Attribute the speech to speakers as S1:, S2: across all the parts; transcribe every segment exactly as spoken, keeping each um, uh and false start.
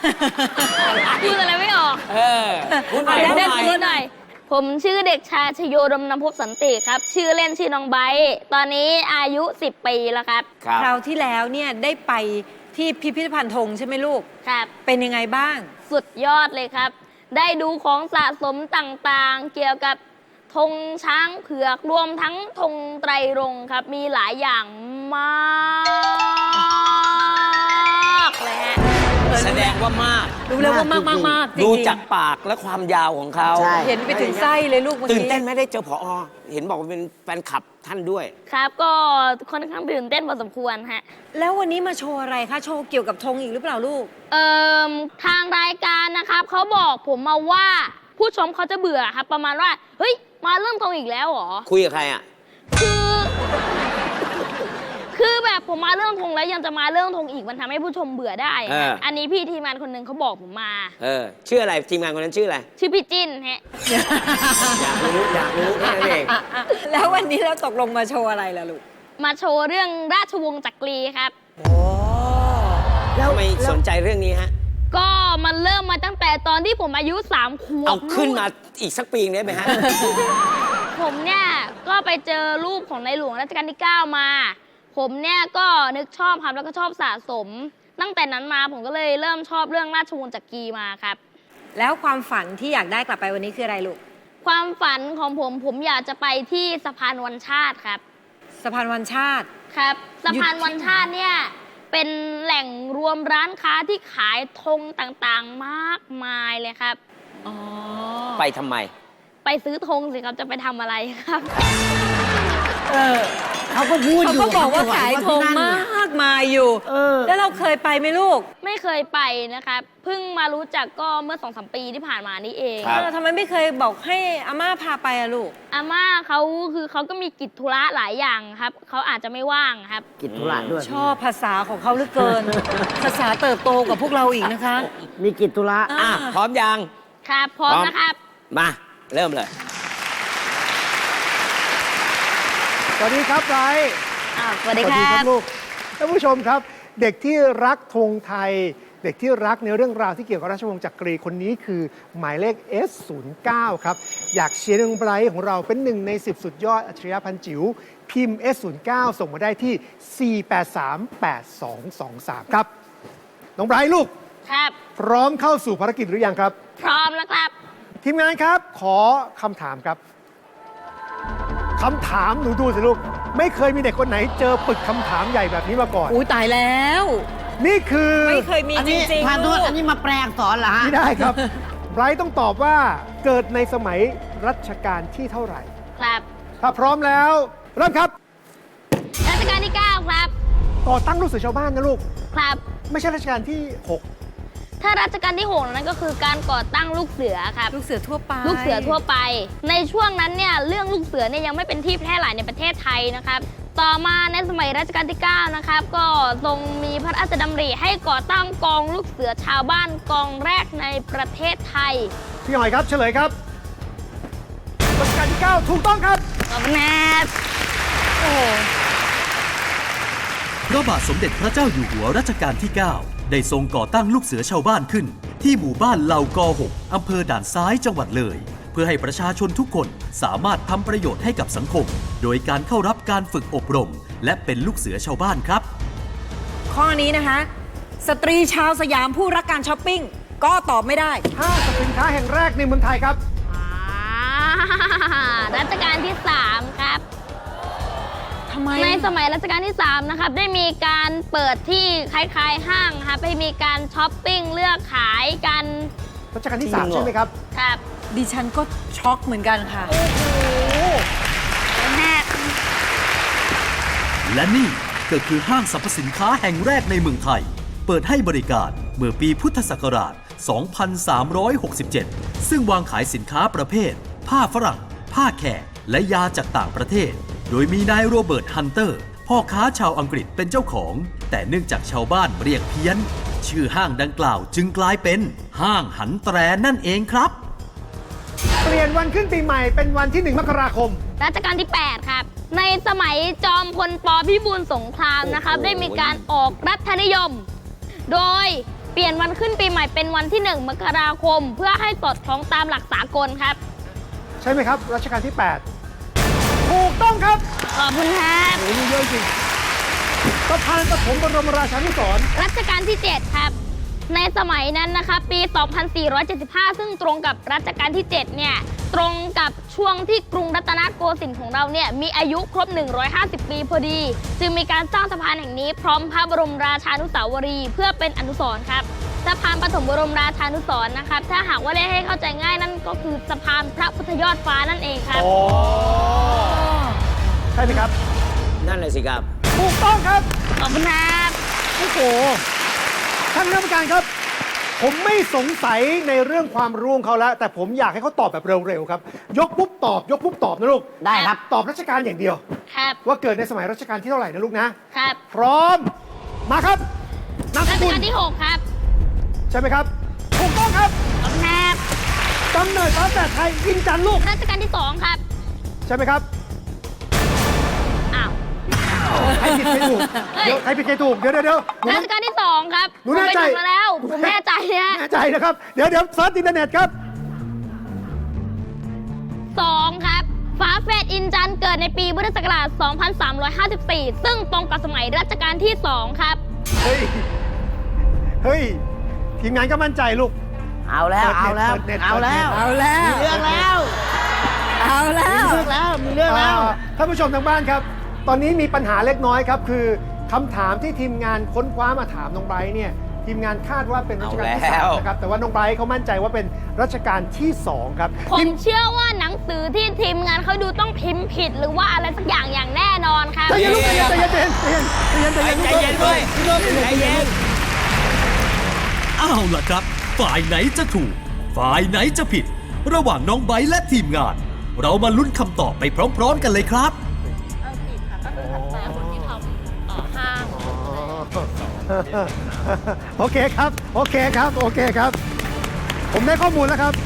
S1: พูดอะไรไม่ออก
S2: เออพูดหน่อย
S1: เดี๋ยว
S2: พูด
S1: เดี๋ยว
S2: หน่อย
S1: พูดหน่อยผมชื่อเด็กชายชโยดมนภพสันติครับ ชื่อเล่นชื่อน้องไบร์ทตอนนี้อายุสิบปีแล้วครับ
S2: ครับ
S3: คราวที่แล้วเนี่ยได้ไปที่พิพิธภัณฑ์ธงใช่ไหมลูก
S1: ครับ
S3: เป็นยังไงบ้าง
S1: สุดยอดเลยครับ ได้ดูของสะสมต่างๆ เกี่ยวกับธงช้างเผือกรวมทั้งธงไตรรงค์ครับ มีหลายอย่างมากเลยฮะ
S2: แสดงว่ามาก
S3: รู้แล้วว่ามากมากมากจริงๆ
S2: ดูจากปากและความยาวของเขา
S4: ใช่
S3: เห็นไปถึงไส้เลยลูกเมื่อ
S2: ตื่น
S3: กี้
S2: เต้นไหมได้เจอผอ เห็นบอกว่าเป็นแฟนคลับท่านด้วย
S1: ครับก็ค่อนข้างตื่นเต้นพอสมควรฮะ
S3: แล้ววันนี้มาโชว์อะไรคะ โชว์เกี่ยวกับธงอีกหรือเปล่าลูก
S1: เอ่อทางรายการนะครับเขาบอกผมมาว่าผู้ชมเขาจะเบื่อครับ ประมาณว่า เฮ้ย มาเรื่องธงอีกแล้วเหรอ
S2: คุยกับใครอ่ะ
S1: คือ คือแบบผมมาเรื่องธงแล้วยังจะมาเรื่องธงอีกมันทำให้ผู้ชมเบื่อได้
S2: เออ
S1: อันนี้พี่ทีมงานคนหนึ่งเขาบอกผมมา
S2: เออ ชื่ออะไรทีมงานคนนั้นชื่ออะไร
S1: ชื่อพี่จิ้นฮะ
S2: อยากรู้อยากรู้แค่นั้นเอง
S3: แล้ววันนี้เราตกลงมาโชว์อะไรล่ะลูก
S1: มาโชว์เรื่องราชวงศ์จักรีครับ
S3: โอ้
S2: ทำไมสนใจเรื่องนี้ฮะ
S1: ก็มันเริ่มมาตั้งแต่ตอนที่ผมอายุสามขวบ
S2: เอาขึ้นมาอีกสักปีได้ไหมฮะ
S1: ผมเนี่ยก็ไปเจอรูปของในหลวงรัชกาลที่เก้ามา ผมเนี่ยก็นึกชอบครับแล้วก็ชอบสะสม ตั้งแต่นั้นมาผมก็เลยเริ่มชอบเรื่องราชวงศ์จักรีมาครับ
S3: แล้วความฝันที่อยากได้กลับไปวันนี้คืออะไรลูก
S1: ความฝันของผมผมอยากจะไปที่สะพานวันชาติครับ
S3: สะพานวันชาติ
S1: ครับสะพานวันชาติเนี่ยเป็นแหล่งรวมร้านค้าที่ขายธงต่างๆมากมายเลยครับ
S3: อ๋อ
S2: ไปทำไม
S1: ไปซื้อธงสิครับจะไปทำอะไรครับ
S4: เออเขาก็พูด
S3: เขา
S4: อยู่
S3: ก็บอกว่าขายธง
S4: ที่นั่น
S3: มากมายอยู่
S4: เออ
S3: แล้วเราเคยไปไหมลูก
S1: ไม่เคยไปนะครับเพิ่งมารู้จักก็เมื่อสองสามปีที่ผ่านมานี่เอง
S2: ครับ
S3: เออทำไมไม่เคยบอกให้อาม่าพาไปอะลูก
S1: อาม่าเขาคือเขาก็มีกิจธุระหลายอย่างครับเขาอาจจะไม่ว่างครับ
S4: กิจธุระด้วย
S3: ชอบภาษาของเขาเหลือเกิน ภาษาเติบโตกว่าพวกเราอีกนะคะ
S4: มีกิจธุระ
S2: อ่ะ พร้อมยัง
S1: ครับพร้อม
S2: พร้อม
S1: นะครับ
S2: มา เริ่มเลย
S5: สวัสดีครับไบรท์
S1: อ่าสวัสดีครับ
S5: ลูกท่านผู้ชมครับ เด็กที่รักธงไทย เด็กที่รักในเรื่องราวที่เกี่ยวกับราชวงศ์จักรีคนนี้คือหมายเลข เอส ศูนย์เก้า ครับ อยากเชียร์น้องไบรท์ของเราเป็นหนึ่งในสิบสุดยอดอัจฉริยะพันจิ๋วพิมพ์ เอส ศูนย์เก้า ส่งมาได้ที่ สี่ แปด สาม แปด สอง สอง สาม ครับ น้องไบรท์ลูก
S1: ครับ
S5: พร้อมเข้าสู่ภารกิจหรือยังครับ
S1: พร้อมแล้วครับ
S5: ทีมงานครับ ขอคำถามครับคำถามหนูดูสิลูก ไม่เคยมีเด็กคนไหนเจอปึกคำถามใหญ่แบบนี้มาก่อน
S3: อุ้ยตายแล้ว
S5: นี่คือ
S3: ไม่เคยมี
S4: อัน
S3: จ
S4: นี้
S3: ริง
S4: พา
S3: ๆ
S4: นุ
S3: ลูก
S4: อันนี้มาแปลอักษรเหรอฮะ
S5: ไม่ได้ครับ ไบรท์ต้องตอบว่าเกิดในสมัยรัชกาลที่เท่าไหร่
S1: ครับ
S5: ถ้าพร้อมแล้ว เริ่มครับ
S1: รัชกาลที่เก้าครับ
S5: ก่อตั้งลูกเสือชาวบ้านนะลูก
S1: ครับ
S5: ไม่ใช่รัชกาลที่หก
S1: ถ้ารัชกาลที่หกนั้นก็คือการก่อตั้งลูกเสือครับ
S3: ลูกเสือทั่วไป
S1: ลูกเสือทั่วไป ในช่วงนั้นเนี่ยเรื่องลูกเสือเนี่ยยังไม่เป็นที่แพร่หลายในประเทศไทยนะครับ ต่อมาในสมัยรัชกาลที่เก้านะครับก็ทรงมีพระราชดำริให้ก่อตั้งกองลูกเสือชาวบ้านกองแรกในประเทศไทย
S5: พี่หอยครับเฉลยครับรัชกาลที่เก้าถูกต้องครับ
S1: ขอบคุณครับ
S3: โอ้โห
S6: พระบาทสมเด็จพระเจ้าอยู่หัวรัชกาลที่ เก้า ได้ทรงก่อตั้งลูกเสือชาวบ้านขึ้น ที่หมู่บ้านเหล่ากอหกอำเภอด่านซ้ายจังหวัดเลย เพื่อให้ประชาชนทุกคนสามารถทำประโยชน์ให้กับสังคม โดยการเข้ารับการฝึกอบรม และเป็นลูกเสือชาวบ้านครับ
S3: ข้อนี้นะคะ สตรีชาวสยามผู้รักการช้อปปิ้ง ก็ตอบไม่ได้
S5: ห้างสรรพสินค้าแห่งแรกในเมืองไทยครับ
S1: อ่ารัชกาลที่สามครับ
S3: ทำไม
S1: ในสมัยรัชกาลที่สามนะครับได้มีการเปิดที่คล้ายๆห้างครับให้มีการช้อปปิ้งเลือกขายกัน
S5: รัชกาลที่สาม
S2: จริงเหรอ
S5: ใช่ไหมครับ
S1: ครับ
S3: ดิฉันก็ช็อกเหมือนกันค่ะ
S1: แม่
S6: และนี่ก็คือห้างสรรพสินค้าแห่งแรกในเมืองไทย เปิดให้บริการเมื่อปีพุทธศักราช สองพันสามร้อยหกสิบเจ็ด ซึ่งวางขายสินค้าประเภท ผ้าฝรั่ง ผ้าแขก และยาจากต่างประเทศ โดยมีนายโรเบิร์ตฮันเตอร์ พ่อค้าชาวอังกฤษเป็นเจ้าของ แต่เนื่องจากชาวบ้านเรียกเพี้ยน ชื่อห้างดังกล่าวจึงกลายเป็นห้างหันแตรนั่นเองครับ
S5: เปลี่ยนวันขึ้นปีใหม่เป็นวันที่หนึ่งมกราคม
S1: รัชกาลที่ แปด ครับ ในสมัยจอมพลปพิบูลสงครามนะครับ
S2: โอ้โห
S1: ได้มีการออกรัฐนิยม โดยเปลี่ยนวันขึ้นปีใหม่เป็นวันที่ หนึ่ง มกราคม เพื่อให้สอดคล้องตามหลักสากลครับ
S5: ใช่ไหมครับ รัชกาลที่ แปด ถูกต้องครับ
S1: ขอบคุณครับ
S5: โอ้โหเยอะจริงสะพานปฐมบรมราชานุสรณ์
S1: รัชกาลที่ เจ็ด ครับ ในสมัยนั้นนะครับปี สองพันสี่ร้อยเจ็ดสิบห้า ซึ่งตรงกับรัชกาลที่ เจ็ด เนี่ย ตรงกับช่วงที่กรุงรัตนโกสินทร์ของเราเนี่ย มีอายุครบ หนึ่งร้อยห้าสิบ ปีพอดี จึงมีการสร้างสะพานแห่งนี้พร้อมพระบรมราชานุสาวรีย์เพื่อเป็นอนุสรณ์ครับ สะพานปฐมบรมราชานุสรณ์นะครับ ถ้าหากว่าเรียกให้เข้าใจง่ายนั่นก็คือสะพานพระพุทธยอดฟ้านั่นเองครับ
S5: อ๋อ ใช่ไหมครับ
S2: นั่นเลยสิครับ
S5: ถูกต้องครับ
S1: ขอบคุณครับ
S5: โอ้โห ท่านคณะกรรมการครับ ผมไม่สงสัยในเรื่องความรู้ของเขาแล้ว แต่ผมอยากให้เขาตอบแบบเร็วๆครับ ยกปุ๊บตอบ ยกปุ๊บตอบนะลูก
S4: ได้ครับ
S5: ตอบรัชกาลอย่างเดียว
S1: ครับ
S5: ว่าเกิดในสมัยรัชกาลที่เท่าไหร่นะลูกนะ
S1: ครับ
S5: พร้อม มาครับนามส
S1: รัช
S5: กุล
S1: กาลที่ หก ครับ
S5: ใช่ไหมครับ ถูกต้องครับ
S1: ขอบคุณครับ
S5: กำเนิดฟ้าแฝดไทยอินจันทร์ลูก
S1: รัชกาลที่ สอง ครับ
S5: ใช่ไหมครับ
S1: อ้าว
S5: ใครผิดใครถูก
S1: เฮ้ย
S5: เดี๋ยวใครผิดใครถูก เดี๋ยวเดี๋ยวเดี๋ยวหนู
S1: รัชกาลที่ สอง ครับ
S5: หนูแน่ใจ
S1: ผมไปดูมาแล้ว ผมแน่ใจนะ
S5: แน่ใจนะครับ เดี๋ยวเดี๋ยวเซิร์ชอินเทอร์เน็ตครับ
S1: สองครับฝาแฝดอินจันทร์เกิดในปีพุทธศักราช สองพันสามร้อยห้าสิบสี่ ซึ่งตรงกับสมัยรัชกาลที่ สอง ครับ
S5: เฮ้ย เฮ้ย ทีมงานก็มั่นใจลูก
S4: เอาแล้ว เอาแล้ว
S5: เปิดเน็ต
S4: เอาแล้ว
S3: เอาแล้ว
S4: มีเรื่องแล้ว
S3: เอาแล้
S4: มี
S3: ว
S4: เรื่องแล้ว มีเรื่องแล้ว
S5: อ่าท่านผู้ชมทางบ้านครับ ตอนนี้มีปัญหาเล็กน้อยครับ คือคำถามที่ทีมงานค้นคว้ามาถามน้องไบรท์เนี่ย ทีมงานคาดว่าเป็นรัชกาลที่
S2: เอา
S5: สา
S2: แล้
S5: ม
S2: ว
S5: นะครับ แต่ว่าน้องไบรท์เขามั่นใจว่าเป็นรัชกาลที่สองครับ
S1: ผม
S5: ทีม
S1: เชื่อว่าหนังสือที่ทีมงานเขาดูต้องพิมพ์ผิด หรือว่าอะไรสักอย่างอย่างแน่นอนครับ
S5: ใจเย็นลูกใจเย็นใจเย็นใจเย็นใจเย็นใจเย็น
S2: ใจเย็นด้วยใจเย็น
S6: เอาล่ะครับ ฝ่ายไหนจะถูก ฝ่ายไหนจะผิด ระหว่างน้องไบร์ทและทีมงาน เรามาลุ้นคำตอบไปพร้อมๆกันเลยครับ
S5: โอเคครับ โอเคครับ โอเคครับ ผมได้ข้อมูลแล้วครับ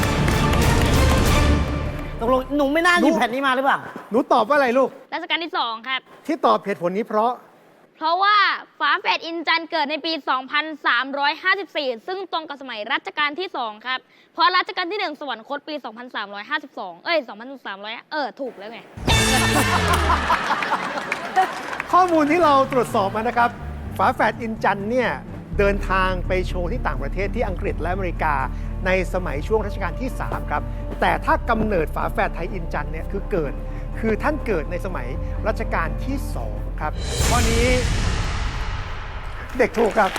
S4: ตกลงหนูไม่น่าหยิบแผ่นนี้มาหรือเปล่า
S5: หนูตอบว่าอะไรลูก
S1: รัชกาลที่ สอง ครับ
S5: ที่ตอบเหตุผลนี้เพราะ
S1: เพราะว่าฝาแฝดอินจันทร์เกิดในปี สองพันสามร้อยห้าสิบสี่ ซึ่งตรงกับสมัยรัชกาลที่ สอง ครับ เพราะรัชกาลที่ หนึ่ง สวรรคตปี สองพันสามร้อยห้าสิบสอง เอ้ย สองพันสามร้อย เออ ถูกแล้วไง
S5: ข้อมูลที่เราตรวจสอบมานะครับ ฝาแฝดอินจันทร์เนี่ยเดินทางไปโชว์ที่ต่างประเทศที่อังกฤษและอเมริกาในสมัยช่วงรัชกาลที่ สาม ครับ แต่ถ้ากำเนิดฝาแฝดไทยอินจันทร์เนี่ยคือเกิด คือท่านเกิดในสมัยรัชกาลที่ สอง ครับข้อนี้เด็กถูกครับ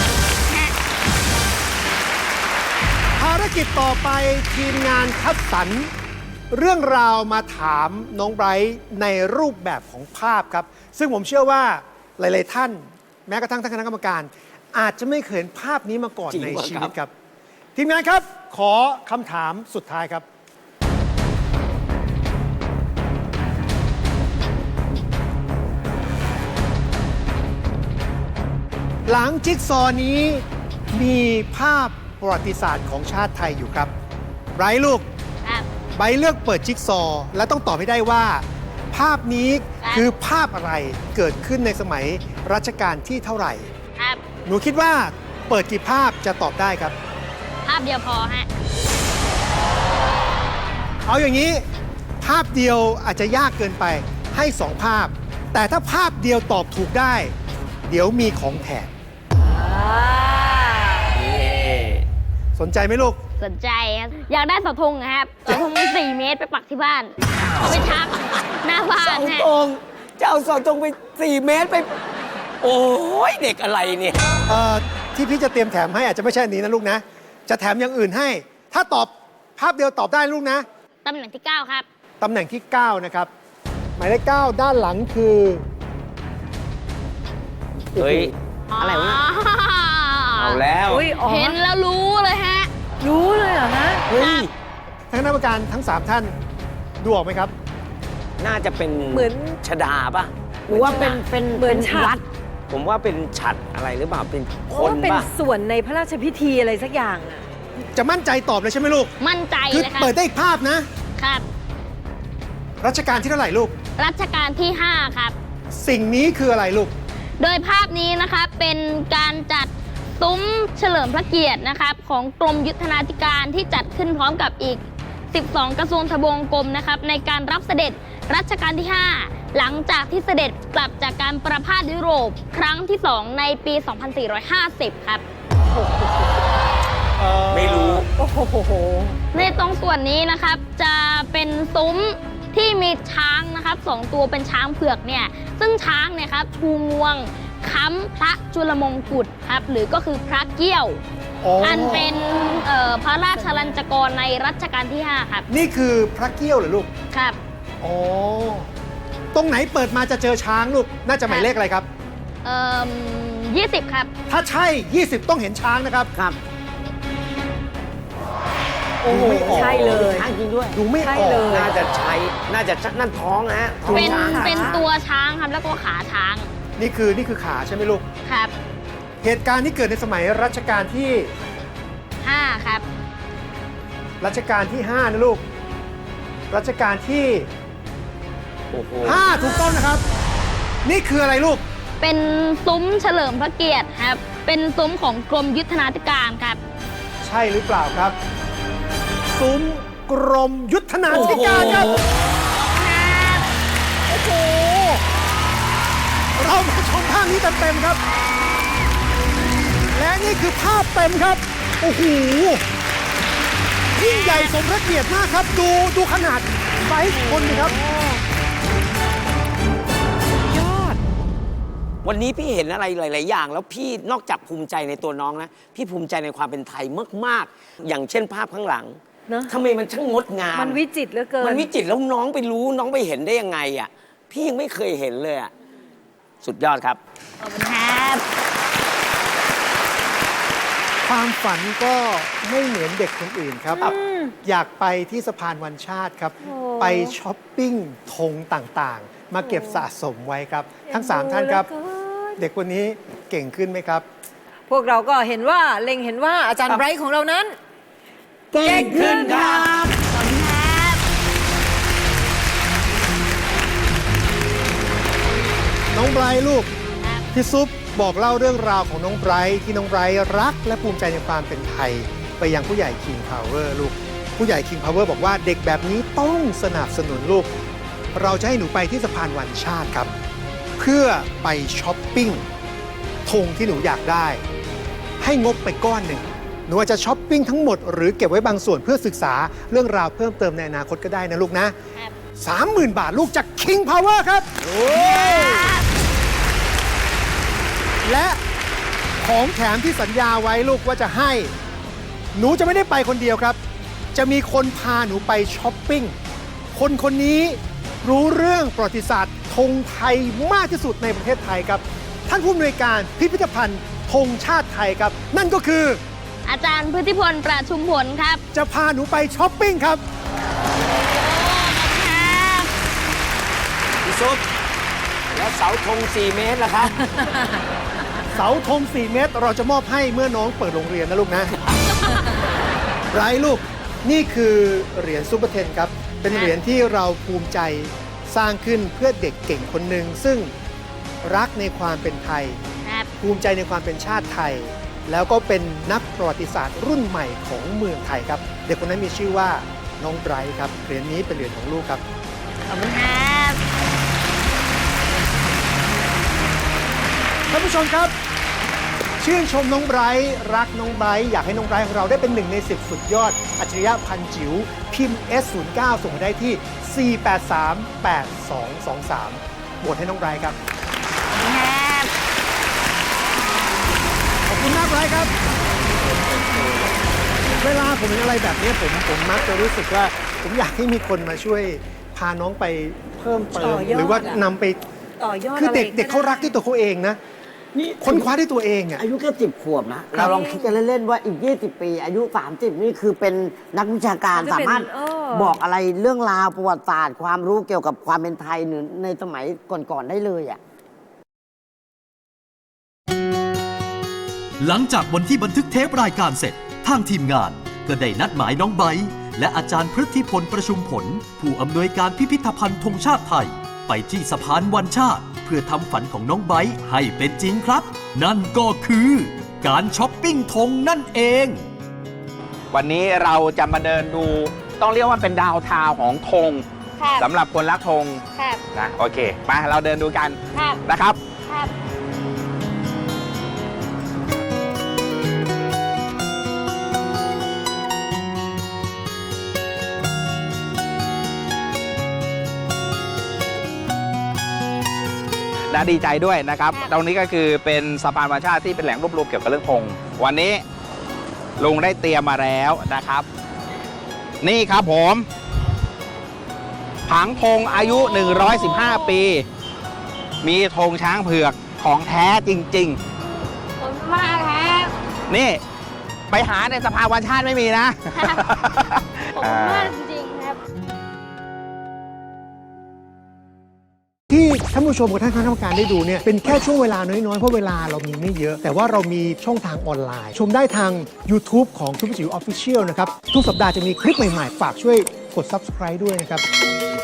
S5: ภารกิจต่อไปทีมงานคัดสรรเรื่องราวมาถามน้องไบรท์ในรูปแบบของภาพครับ ซึ่งผมเชื่อว่าหลาย ๆ ท่าน แม้กระทั่งท่านคณะกรรมการ อาจจะไม่เคยเห็นภาพนี้มาก่อน
S2: จริง
S5: ใน
S2: วะ
S5: ชี
S2: ครั
S5: วิต
S2: บ
S5: ครับ ทีมงานครับ ขอคำถามสุดท้ายครับ หลังจิ๊กซอว์นี้มีภาพประวัติศาสตร์ของชาติไทยอยู่ครับไบรท์ลูก
S1: ครับ
S5: ไบรท์เลือกเปิดจิ๊กซอว์และต้องตอบให้ได้ว่า ภาพนี้
S1: ครับ
S5: คือภาพอะไรเกิดขึ้นในสมัยรัชกาลที่เท่าไหร่
S1: ครับ
S5: หนูคิดว่าเปิดกี่ภาพจะตอบได้ครับ
S1: ภาพเดียวพอฮะ
S5: เอาอย่างนี้ ภาพเดียวอาจจะยากเกินไปให้สองภาพ แต่ถ้าภาพเดียวตอบถูกได้ เดี๋ยวมีของแถมสนใจไหมลูก
S1: สนใจครับ อยากได้เสาธงนะครับเสาธงสี่เมตรไปปักที่บ้าน เอาไปชักหน้าบ้าน
S2: เสา
S1: ฮะ
S2: ตรงจะเอาเสาตรงไปสี่เมตรไป โอ้ยเด็กอะไรเนี่ย
S5: เอ่อที่พี่จะเตรียมแถมให้อาจจะไม่ใช่อันนี้นะลูกนะ จะแถมอย่างอื่นให้ ถ้าตอบภาพเดียวตอบได้ลูกนะ
S1: ตำแหน่งที่ เก้า ครับ
S5: ตำแหน่งที่ เก้า นะครับ หมายเลขเก้าด้านหลังคือ
S2: เฮ้ย
S4: อะไรวะ
S2: เอาแล้ว
S3: อุ้ยอ๋อ
S1: เห็นแล้วรู้เลยฮะ
S3: รู้เลยเหรอฮะ
S2: เฮ้ย
S5: ท่านคณะกรรมการทั้ง สาม ท่านดูออกไหมครับ
S2: น่าจะเป็น
S3: เหมือน
S2: ชดาป่ะ
S4: หรือว่าเป็น เป็น
S3: เหมือน
S4: เป็น
S3: ฉัตร
S4: วัด
S2: ผมว่าเป็นฉัดอะไรหรือเปล่า เป็นค
S3: โอ้
S2: น
S3: เป็น
S2: ป่ะ
S3: ส่วนในพระราชพิธีอะไรสักอย่างอะ
S5: จะมั่นใจตอบเลยใช่ไหมลูก
S1: มั่นใจ
S5: คือ
S1: เลยครับ
S5: เปิดได้อีกภาพนะ
S1: ครับ
S5: รัชกาลที่เท่าไหร่ลูก
S1: รัชกาลที่ ห้า ครับ
S5: สิ่งนี้คืออะไรลูก
S1: โดยภาพนี้นะคะเป็นการจัดซุ้มเฉลิมพระเกียรตินะครับของกรมยุทธนาธิการที่จัดขึ้นพร้อมกับอีก สิบสอง กระทรวงทบวงกรมนะครับในการรับเสด็จรัชกาลที่ ห้า หลังจากที่เสด็จกลับจากการประพาสยุโรปครั้งที่ สอง ในปี สองพันสี่ร้อยห้าสิบ ครับ
S2: ไม่รู้
S3: โอ้โห
S1: ในตรงส่วนนี้นะครับจะเป็นซุ้มที่มีช้างนะครับสองตัวเป็นช้างเผือกเนี่ยซึ่งช้างเนี่ยครับชูงวงค้ำพระจุลมงกุฎครับหรือก็คือพระเกี้ยว
S5: อ๋ออั
S1: อันเป็นเอ่อพระราชลัญจกรในรัชกาลที่ ห้า ครับ
S5: นี่คือพระเกี้ยวเหรอลูก
S1: ครับ
S5: อ๋อ ตรงไหนเปิดมาจะเจอช้างลูก น่าจะหมายเลขอะไรครับ
S1: เอ่อยี่สิบครับ
S5: ถ้าใช่ ยี่สิบ ต้องเห็นช้างนะครับ
S4: ครับ
S3: โอ้โห
S5: ดูไม่ออก
S3: ใช่เลย
S4: ช้างจริงด้วย
S5: ดูไม่
S3: ใช่
S5: ออก
S3: เลย
S2: น่าจะใช้ น่าจะชักนั่นท้องนะฮะท้อง
S1: เป็น
S2: ช้าง
S1: เป็นตัวช้างครับแล้วก็ขาช้าง
S5: นี่คือนี่คือขาใช่ไหมลูก
S1: ครับ
S5: เหตุการณ์ที่เกิดในสมัยรัชกาลที่
S1: ห้าครับ
S5: รัชกาลที่ ห้า นะลูก รัชกาลที่
S2: โอ้โห
S5: ห้า ถูกต้องนะครับ นี่คืออะไรลูก
S1: เป็นซุ้มเฉลิมพระเกียรติครับเป็นซุ้มของกรมยุทธนาธิการครับ
S5: ใช่หรือเปล่าครับ ซุ้มกรมยุทธนาธิการครับ โอ้โห เรามาชมภาพนี้เต็มๆครับ และนี่คือภาพเต็มครับ โอ้โห ยิ่งใหญ่สมพระเกียรติมากครับ ดูดูขนาดไซส์คนดิครับ
S2: วันนี้พี่เห็นอะไรหลาย ๆ อย่าง แล้วพี่นอกจากภูมิใจในตัวน้องนะ พี่ภูมิใจในความเป็นไทยมาก ๆ อย่างเช่นภาพข้างหลัง
S3: เนอะ
S2: ทำไมมันช่างงดงาม
S3: มันวิจิตรเหลือเกิน
S2: มันวิจิตรแล้วน้องไปรู้น้องไปเห็นได้ยังไงอ่ะ พี่ยังไม่เคยเห็นเลยอ่ะ สุดยอดครับ
S1: ขอบคุณครับ
S5: ความฝันก็ไม่เหมือนเด็กคนอื่นครับ อยากไปที่สะพานวันชาติครับ
S3: โอ้
S5: ไปช้อปปิ้งธงต่างๆ มาเก็บสะสมไว้ครับ ทั้งสามท่านครับ
S3: เอ็นดูเหลือเกิน
S5: เด็กคนนี้เก่งขึ้นไหมครับ
S3: พวกเราก็เห็นว่าเล็งเห็นว่าอาจารย์ไบรท์ของเรานั้น
S4: เก่งขึ้นครับ
S1: ขอบคุณครับ
S5: น้องไบรท์ลูก
S1: ครับ
S5: พี่ซุปบอกเล่าเรื่องราวของน้องไบรท์ที่น้องไบรท์รักและภูมิใจในความเป็นไทย ไปยังผู้ใหญ่ King Power ลูก ผู้ใหญ่ King Power บอกว่าเด็กแบบนี้ต้องสนับสนุนลูก เราจะให้หนูไปที่สะพานวันชาติครับ เพื่อไปช้อปปิ้งธงที่หนูอยากได้ ให้งบไปก้อนหนึ่งหนูอาจจะช้อปปิ้งทั้งหมดหรือเก็บไว้บางส่วนเพื่อศึกษาเรื่องราวเพิ่มเติมในอนาคตก็ได้นะลูกนะ
S1: ครับ
S5: สามหมื่นบาทลูกจาก King Power ครับ และของแถมที่สัญญาไว้ลูกว่าจะให้ หนูจะไม่ได้ไปคนเดียวครับ จะมีคนพาหนูไปช้อปปิ้ง คนคนนี้รู้เรื่องประวัติศาสตร์ธงไทยมากที่สุดในประเทศไทยครับ ท่านผู้อำนวยการพิพิธภัณฑ์ธงชาติไทยครับ นั่นก็คือ
S1: อาจารย์พฤติพลประชุมผลครับ
S5: จะพาหนูไปช้อปปิ้งครับ
S1: ครับ
S2: พี่ซุปแล้วเสาธงสี่เมตรล่ะครับ
S5: เสาธงสี่เมตรเราจะมอบให้เมื่อน้องเปิดโรงเรียนนะลูกนะ ไรลูก นี่คือเหรียญซูเปอร์เทนครับ เป็นเหรียญที่เราภูมิใจสร้างขึ้นเพื่อเด็กเก่งคนหนึ่งซึ่งรักในความเป็นไทย
S1: ครับ
S5: ภูมิใจในความเป็นชาติไทย แล้วก็เป็นนักประวัติศาสตร์รุ่นใหม่ของเมืองไทยครับ เด็กคนนั้นมีชื่อว่าน้องไบรท์ครับ เหรียญนี้เป็นเหรียญของลูกครับ
S1: ขอบคุณครับ
S5: ท่านผู้ชมครับ ชื่นชมน้องไบรท์รักน้องไบรท์อยากให้น้องไบรท์ของเราได้เป็นหนึ่งในสิบสุดยอด อัจฉริยะพันจิ๋วพิมพ์ เอส ศูนย์ เก้า ส่งมาได้ที่ สี่ แปด สาม แปด สอง สอง สามโหวตให้น้องไบรท์ครับ
S1: ครับ
S5: ขอบคุณมากไบรท์ครับ เวลาผมเห็นอะไรแบบนี้ผมผมมักจะรู้สึกว่า ผมอยากให้มีคนมาช่วยพาน้องไปเพิ่มเติ
S3: ต่
S5: ม
S3: อยอด
S5: หรือว่า
S3: อะ
S5: นำไป
S3: ต่อยอด
S5: คือเด็ก
S3: ะไร
S5: เด็กเขารักด้วยตัวเขาเองนะ
S4: นี่
S5: คนคว้าด้วยตัวเองอ่ะ
S4: อายุแค่สิบขวบนะ
S5: ครั
S4: เรา
S5: บ
S4: ลองคิดกันเล่น ๆ ว่าอีก ยี่สิบ ปี อายุ สามสิบ นี่คือเป็นนักวิชาการ
S3: มันจะ
S4: สา
S3: เป็น
S4: มารถ
S3: เออ
S4: บอกอะไรเรื่องราวประวัติศาสตร์ ความรู้เกี่ยวกับความเป็นไทยหรือในสมัยก่อน ๆ ได้เลยอ่ะ
S6: หลังจากวันที่บันทึกเทปรายการเสร็จ ทางทีมงานก็ได้นัดหมายน้องไบร์ทและอาจารย์พฤทธิพลประชุมผล ผู้อำนวยการพิพิธภัณฑ์ธงชาติไทย ไปที่สะพานวันชาติ เพื่อทำฝันของน้องไบร์ทให้เป็นจริงครับ นั่นก็คือการช้อปปิ้งธงนั่นเอง
S7: วันนี้เราจะมาเดินดูต้องเรียกว่าเป็นดาวน์ทาวน์ของธง
S1: ครับ
S7: สำหรับคนรักธง
S1: ครับ
S7: นะโอเคมาเราเดินดูกัน
S1: ครับ
S7: นะครับ
S1: ครับ
S7: นะดีใจด้วยนะครับ ตรงนี้ก็คือเป็นสะพานธรรมชาติที่เป็นแหล่งรวบรวมเกี่ยวกับเรื่องธงวันนี้ลุงได้เตรียมมาแล้วนะครับ นี่ครับผมผังธงอายุ หนึ่งร้อยสิบห้า ปี มีธงช้างเผือกของแท้จริง
S1: ขอบคุณมากครับ
S7: ๆ นี่ไปหาในสภาวันชาติไม่มีนะ
S1: ขอบคุณมากจริงๆครับ
S5: ที่ท่านผู้ชมกับท่านคณะกรรมการได้ดูเนี่ยเป็นแค่ช่วงเวลาน้อยๆ เพราะเวลาเรามีไม่เยอะ แต่ว่าเรามีช่องทางออนไลน์ ชมได้ทาง YouTube ของทุกจิ๋วออฟฟิเชียลนะครับ ทุกสัปดาห์จะมีคลิปใหม่ๆ ฝากช่วยกด Subscribe ด้วยนะครับ